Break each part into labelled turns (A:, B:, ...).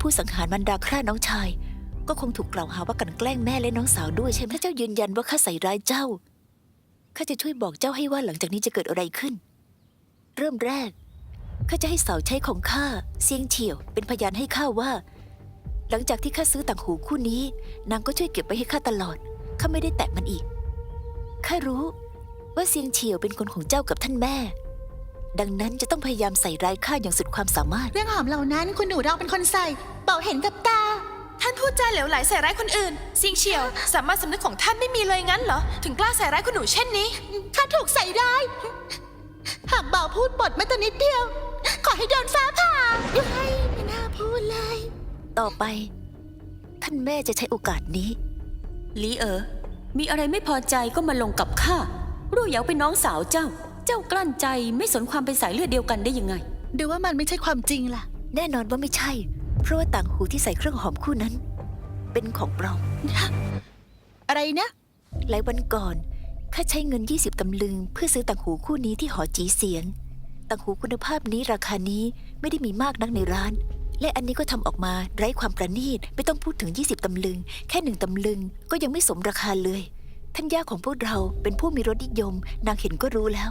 A: ผู้สังหารมารดาฆ่าน้องชายก็คงถูกกล่าวหาว่ากลั่นแกล้งแม่และน้องสาวด้วยใช่ไหมถ้าเจ้ายืนยันว่าข้าใส่ร้ายเจ้าข้าจะช่วยบอกเจ้าให้ว่าหลังจากนี้จะเกิดอะไรขึ้นเริ่มแรกข้าจะให้สาวใช้ของข้าเซียงเฉียวเป็นพยานให้ข้าว่าหลังจากที่ข้าซื้อต่างหูคู่นี้นางก็ช่วยเก็บไว้ให้ข้าตลอดข้าไม่ได้แตะมันอีกข้ารู้ว่าเซียงเฉียวเป็นคนของเจ้ากับท่านแม่ดังนั้นจะต้องพยายามใส่ร้ายข้าอย่างสุดความสามารถ
B: เรื่องหอมเหล่านั้นคุณหนูเราเป็นคนใส่เป่าเห็นกับตา
C: ท่านพูดจาเหลวไหลใส่ร้ายคนอื่นซิงเฉียวสามารถสำนึกของท่านไม่มีเลยงั้นเหรอถึงกล้าใส่ร้ายคุณหนูเช่นนี้
B: ข้าถูกใส่ร้ายหากเบาพูดบทแม้แต่นิดเดียวขอให้โดนฟ้าผ่าไม่น่าพูดเลย
A: ต่อไปท่านแม่จะใช้โอกาสนี้
D: หลีมีอะไรไม่พอใจก็มาลงกับข้ารู้เหยาเป็นน้องสาวเจ้ากลั้นใจไม่สนความเป็นสายเลือดเดียวกันได้ยังไง
B: ดูว่ามันไม่ใช่ความจริงล่ะ
A: แน่นอนว่าไม่ใช่เพราะว่าต่างหูที่ใส่เครื่องหอมคู่นั้นเป็นของปลอม
B: อะไรนะ
A: หลายวันก่อนข้าใช้เงิน20 ตำลึงเพื่อซื้อต่างหูคู่นี้ที่หอจีเสียงต่างหูคุณภาพนี้ราคานี้ไม่ได้มีมากนักในร้านและอันนี้ก็ทำออกมาไร้ความประณีตไม่ต้องพูดถึง20 ตำลึงแค่1 ตำลึงก็ยังไม่สมราคาเลยท่านย่าของพวกเราเป็นผู้มีรสนิยมนางเห็นก็รู้แล้ว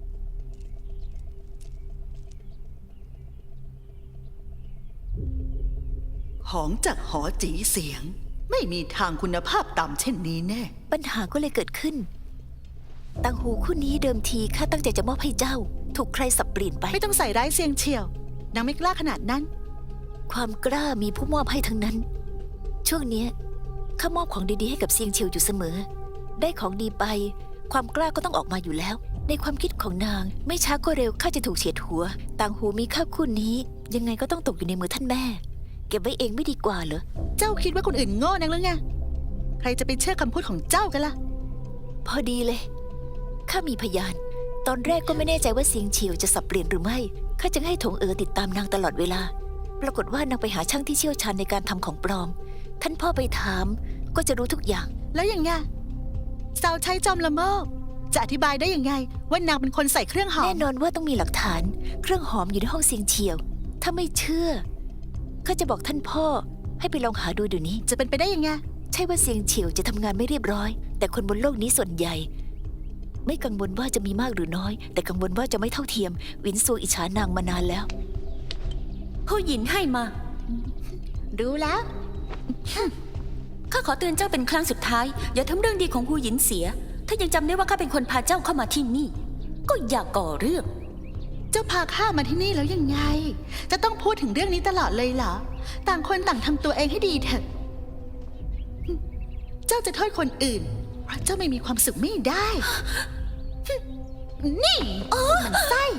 E: ของจากหอจีเสียงไม่มีทางคุณภาพต่ำเช่นนี้แน่
A: ปัญหาก็เลยเกิดขึ้นต่างหูคู่นี้เดิมทีข้าตั้งใจจะมอบให้เจ้าถูกใครสับเปลี่ยนไป
B: ไม่ต้องใส่ร้ายเซียงเฉียวนางไม่กล้าขนาดนั้น
A: ความกล้ามีผู้มอบให้ทั้งนั้นช่วงนี้ข้ามอบของดีๆให้กับเซียงเฉียวอยู่เสมอได้ของดีไปความกล้าก็ต้องออกมาอยู่แล้วในความคิดของนางไม่ช้าก็เร็วข้าจะถูกเฉียดหัวต่างหูมีค่าคู่นี้ยังไงก็ต้องตกอยู่ในมือท่านแม่เก็บไว้เองไม่ดีกว่าเหรอ
B: เจ้าคิดว่าคนอื่นโง่นักหรือไงใครจะไปเชื่อคำพูดของเจ้ากันล่ะ
A: พอดีเลยข้ามีพยานตอนแรกก็ไม่แน่ใจว่าเซียงเฉียวจะสับเปลี่ยนหรือไม่ข้าจึงให้ถงติดตามนางตลอดเวลาปรากฏว่านางไปหาช่างที่เชี่ยวชาญในการทำของปลอมท่านพ่อไปถามก็จะรู้ทุกอย่าง
B: แล้วอย่างไงสาวใช้จอมละโมบจะอธิบายได้ยังไงว่านางเป็นคนใส่เครื่องหอม
A: แน่นอนว่าต้องมีหลักฐานเครื่องหอมอยู่ในห้องเซียงเฉียวถ้าไม่เชื่อข้าจะบอกท่านพ่อให้ไปลองหาดูเดี๋ยวนี้
B: จะเป็นไปได้ยังไง
A: ใช่ว่าเซียงเฉียวจะทำงานไม่เรียบร้อยแต่คนบนโลกนี้ส่วนใหญ่ไม่กังวลว่าจะมีมากหรือน้อยแต่กังวลว่าจะไม่เท่าเทียมวินซูอิจฉานางมานานแล้ว
D: ผู้หญินให้มา
B: รู้แล้ว
D: ข้าขอเตือนเจ้าเป็นครั้งสุดท้ายอย่าทำเรื่องดีของผู้หญินเสียถ้ายังจำได้ว่าข้าเป็นคนพาเจ้าเข้ามาที่นี่ก็อย่าก่อเรื่อง
B: เจ้าพาข้ามาที่นี่แล้วยังไงจะต้องพูดถึงเรื่องนี้ตลอดเลยเหรอต่างคนต่างทำตัวเองให้ดีเถอะเจ้าจะโทษคนอื่นเพราะเจ้าไม่มีความสุขไม่ได้นี่มันไส้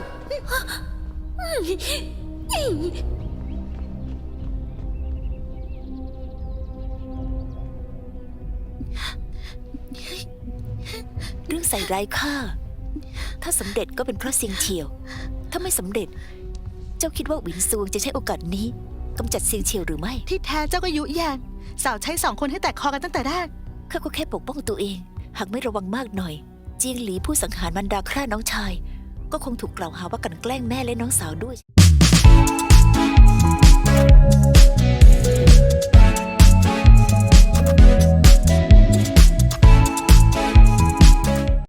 A: เรื่องใส่ร้ายข้าถ้าสำเร็จก็เป็นเพราะเซียงเฉียวถ้าไม่สำเร็จเจ้าคิดว่าหวินซวงจะใช้โอกาสนี้กำจัดเซียงเฉียวหรือไม่
B: ที่แท้เจ้าก็ยุแยงสาวใช้2 คนให้แตกคอกันตั้งแต่แรก
A: ข้าก็แค่ปกป้องตัวเองหากไม่ระวังมากหน่อยเจียงหลีผู้สังหารมารดาฆ่าน้องชายก็คงถูกกล่าวหาว่ากลั่นแกล้งแม่และน้องสาวด้วย